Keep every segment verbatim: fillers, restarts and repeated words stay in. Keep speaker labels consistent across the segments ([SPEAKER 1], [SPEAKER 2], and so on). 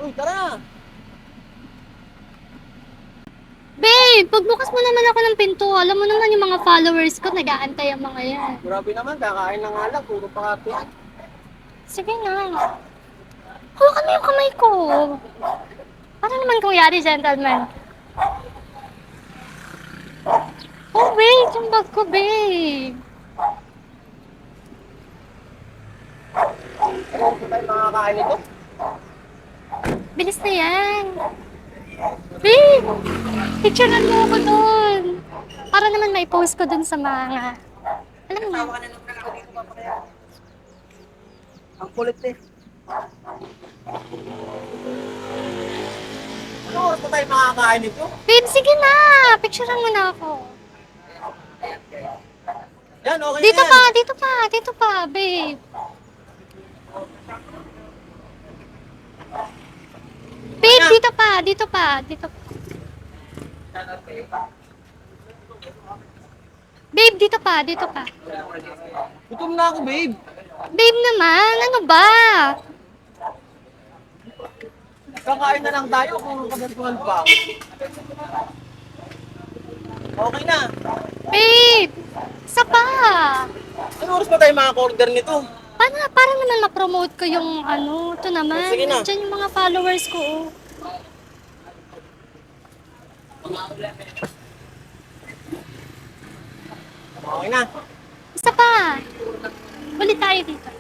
[SPEAKER 1] Uy, tara!
[SPEAKER 2] Babe, pagbukas mo naman ako ng pinto. Alam mo naman yung mga followers ko, nag-aantay ang mga yan.
[SPEAKER 1] Grabe naman, kakain na nga lang. Puro pakati.
[SPEAKER 2] Sige na. Hawakan mo yung kamay ko. Para naman kung yari, gentleman. Oh, wait, yung bag ko, babe.
[SPEAKER 1] Ano ba tayo makakain nito?
[SPEAKER 2] Bilis na yan. Babe, picturean mo ako dun. Para naman may post ko dun sa mga... Alam mo na.
[SPEAKER 1] Ang kulit eh. Ano oras ba tayo makakain nito?
[SPEAKER 2] Babe, sige na. Picturean mo na ako.
[SPEAKER 1] Yan, okay
[SPEAKER 2] Dito
[SPEAKER 1] na yan.
[SPEAKER 2] pa, dito pa, dito pa, babe. Babe, dito pa, dito pa, dito pa. Babe, dito pa, dito pa.
[SPEAKER 1] Gutom na ako, babe.
[SPEAKER 2] Babe naman, ano ba?
[SPEAKER 1] Kakain na lang tayo kung kagantuhan pa. Okay na.
[SPEAKER 2] Babe, isa pa.
[SPEAKER 1] Ano oras ba tayo makaka-order nito?
[SPEAKER 2] Para, para naman ma-promote ko yung ano, ito naman.
[SPEAKER 1] Sige na.
[SPEAKER 2] Nandiyan yung mga followers ko. Oh.
[SPEAKER 1] Okay na.
[SPEAKER 2] Isa pa. Ulit tayo dito.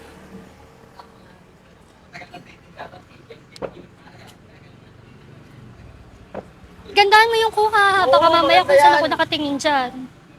[SPEAKER 2] Gandaan mo yung kuha. Baka
[SPEAKER 1] Oo,
[SPEAKER 2] mamaya
[SPEAKER 1] maganda
[SPEAKER 2] kung saan
[SPEAKER 1] yan.
[SPEAKER 2] ako nakatingin dyan.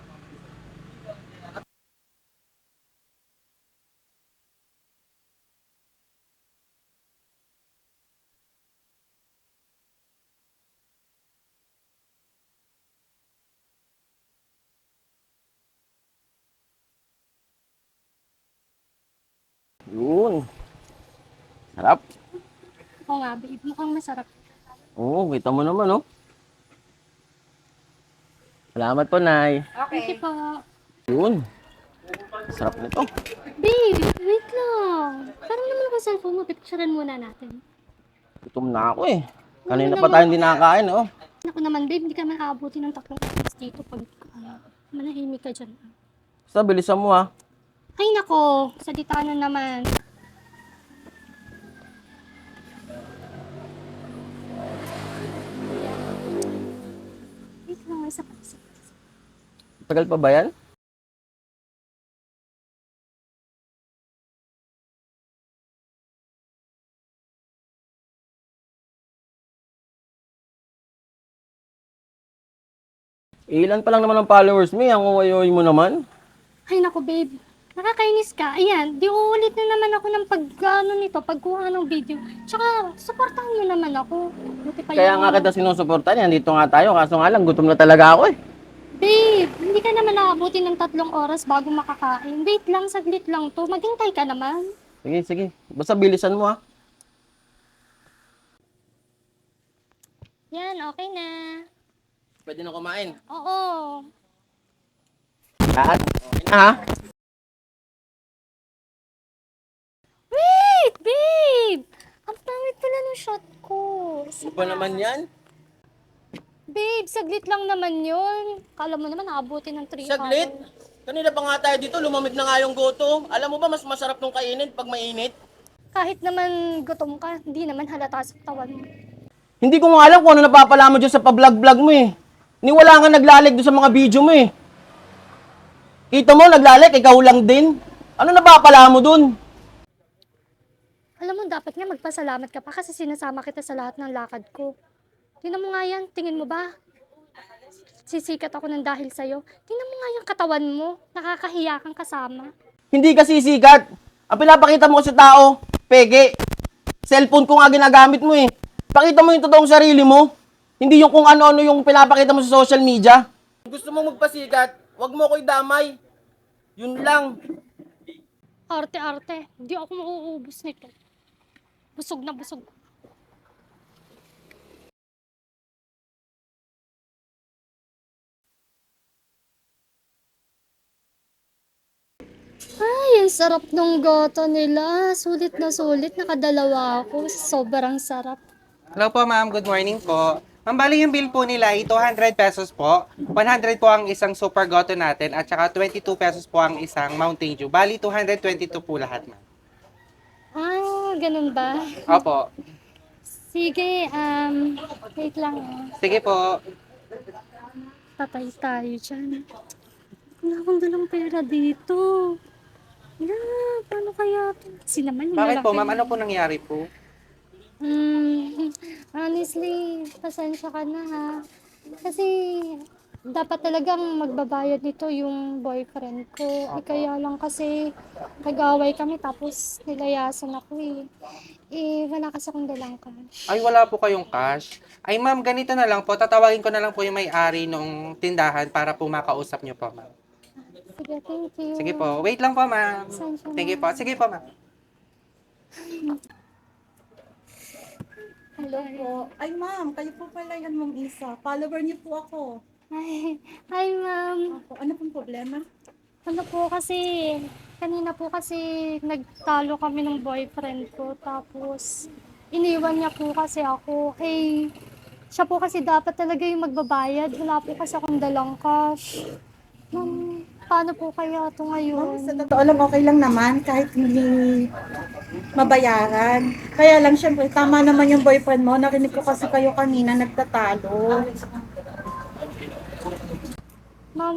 [SPEAKER 1] Yun. Sarap.
[SPEAKER 2] Oo nga, babe. Mukhang masarap.
[SPEAKER 1] Oo, kita mo naman, oh. Salamat po, Nay.
[SPEAKER 2] Thank you po.
[SPEAKER 1] Yun. Sarap nito.
[SPEAKER 2] Babe, wait lang. Parang naman ako cellphone mo. Picturean muna natin.
[SPEAKER 1] Gutom na ako, eh.
[SPEAKER 2] Ano
[SPEAKER 1] Kanina pa
[SPEAKER 2] naman?
[SPEAKER 1] tayo hindi nakakain, oh.
[SPEAKER 2] Ako naman, babe. Hindi ka man aabuti ng tatlong oras dito pag uh, manahimik ka dyan.
[SPEAKER 1] Basta, bilisan mo, ha.
[SPEAKER 2] Ay nako, salita na naman. Wait lang, isa pa, isa pa.
[SPEAKER 1] Tagal pa ba yan? Ilan pa lang naman ang followers mo, eh. Ang uwayoy mo naman.
[SPEAKER 2] Ay nako, babe. Nakakainis ka. Ayan, di uulit na naman ako ng pag, ano nito, pagkuha ng video. Tsaka, supportahan mo naman ako. Buti pa
[SPEAKER 1] Kaya
[SPEAKER 2] yung...
[SPEAKER 1] nga kita sinusuportan, yan. Dito nga tayo. Kaso nga lang, gutom na talaga ako, eh.
[SPEAKER 2] Babe, hindi ka naman naabuti ng tatlong oras bago makakain. Wait lang, saglit lang to. Maghintay ka naman.
[SPEAKER 1] Sige, sige. Basta bilisan mo, ha.
[SPEAKER 2] Yan, okay na.
[SPEAKER 1] Pwede na kumain.
[SPEAKER 2] Oo.
[SPEAKER 1] Lahat? Okay na, ha?
[SPEAKER 2] Wait, babe! Ang pangit pala ng shot ko.
[SPEAKER 1] Ano ba naman yan?
[SPEAKER 2] Babe, saglit lang naman yun. Kala mo naman nakabuti ng three
[SPEAKER 1] Saglit.
[SPEAKER 2] hours.
[SPEAKER 1] Kanina pa nga tayo dito, lumamig na nga yung goto. Alam mo ba, mas masarap nung kainin pag mainit?
[SPEAKER 2] Kahit naman gutom ka, hindi naman halata sa tawan mo.
[SPEAKER 1] Hindi ko nga alam kung ano napapala mo dyan sa pa-vlog-vlog mo, eh. Ni wala nga naglalag doon sa mga video mo, eh. Kita mo, naglalag, ikaw lang din. Ano napapala mo dun?
[SPEAKER 2] Alam mo, dapat nga magpasalamat ka pa kasi sinasama kita sa lahat ng lakad ko. Tingnan mo nga yan, tingin mo ba? Sisikat ako ng dahil sa'yo. Tingnan mo nga yung katawan mo, nakakahiya kang kasama.
[SPEAKER 1] Hindi ka sisikat. Ang pinapakita mo sa tao, peke. Cellphone ko nga ginagamit mo, eh. Pakita mo yung totoong sarili mo. Hindi yung kung ano-ano yung pinapakita mo sa social media. Kung gusto mo magpasikat, wag mo ko idamay. Yun lang.
[SPEAKER 2] Arte-arte, hindi ako mauubos nito. Busog na busog. Ay, ang sarap nung goto nila. Sulit na sulit, nakadalawa ako. Sobrang sarap.
[SPEAKER 3] Hello po, ma'am. Good morning po. Ma'am, bali yung bill po nila ay two hundred pesos po. one hundred po ang isang Super Goto natin at saka twenty-two pesos po ang isang Mountain Dew. Bali, two hundred twenty-two po lahat, ma'am.
[SPEAKER 2] Ah, ganun ba?
[SPEAKER 3] Opo.
[SPEAKER 2] Sige, um, wait lang ah.
[SPEAKER 3] Sige po.
[SPEAKER 2] Patay tayo dyan. Wala akong dalang pera dito. Yeah, paano kaya? Kasi naman, yung
[SPEAKER 3] Bakit po,
[SPEAKER 2] lalaki
[SPEAKER 3] ma'am?
[SPEAKER 2] na-
[SPEAKER 3] Ano po nangyari po?
[SPEAKER 2] Hmm, honestly, pasensya ka na ha. Kasi dapat talagang magbabayad nito yung boyfriend ko. Eh, kaya lang kasi nag-away kami tapos nilayasan ako eh. Eh, wala kasi akong dalang cash.
[SPEAKER 3] Ay, wala po kayong cash. Ay, ma'am, ganito na lang po. Tatawagin ko na lang po yung may-ari nung tindahan para po makausap niyo po, ma'am.
[SPEAKER 2] Sige, thank you.
[SPEAKER 3] Sige po. Wait lang po, ma'am.
[SPEAKER 2] Pasensya na.
[SPEAKER 3] Sige po. Sige po, ma'am.
[SPEAKER 4] Hello po. Ay ma'am, kayo po pala yan mong isa. Follower niyo po ako.
[SPEAKER 2] Hi, hi ma'am.
[SPEAKER 4] Opo, ano pong problema?
[SPEAKER 2] Ano po kasi, kanina po kasi nagtalo kami ng boyfriend ko. Tapos, iniwan niya po kasi ako. Eh, siya po kasi dapat talaga yung magbabayad. Wala po kasi akong dalang cash. Ma'am, paano po kaya ito
[SPEAKER 4] Ma'am,
[SPEAKER 2] ngayon?
[SPEAKER 4] sa totoo lang okay lang naman kahit hindi mabayaran. Kaya lang syempre tama naman yung boyfriend mo. Narinig ko kasi kayo kanina nagtatalo.
[SPEAKER 2] Ma'am,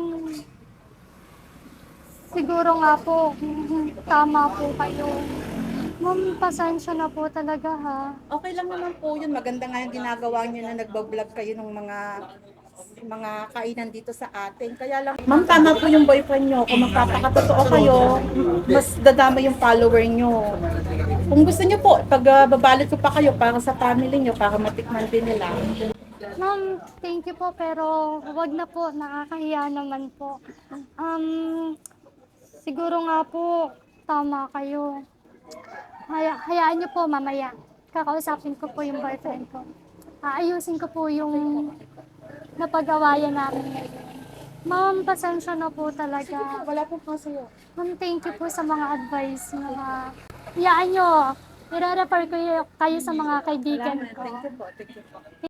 [SPEAKER 2] siguro nga po, tama po kayo. Ma'am, pasensya na po talaga ha.
[SPEAKER 4] Okay lang naman po yun. Maganda nga yung ginagawa niyo na nagbablog kayo ng mga mga kainan dito sa atin. Kaya lang, ma'am, tama po yung boyfriend nyo. Kung magpapakatotoo kayo, mas dadama yung follower nyo. Kung gusto nyo po, pag uh, babalot ko pa kayo para sa family nyo, para matikman din nila.
[SPEAKER 2] Ma'am, thank you po, pero wag na po, nakakahiya naman po. Um, siguro nga po, tama kayo. Haya, hayaan niyo po mamaya. Kakausapin ko po yung boyfriend ko. Aayusin ko po yung napag-awayan namin ngayon. Ma'am, pasensya na po talaga.
[SPEAKER 4] Wala po po sa'yo.
[SPEAKER 2] Ma'am, thank you po sa mga advice niyo ha. Hayaan niyo, i-refer ko kayo sa mga kaibigan ko.
[SPEAKER 4] Thank you po. Thank you po.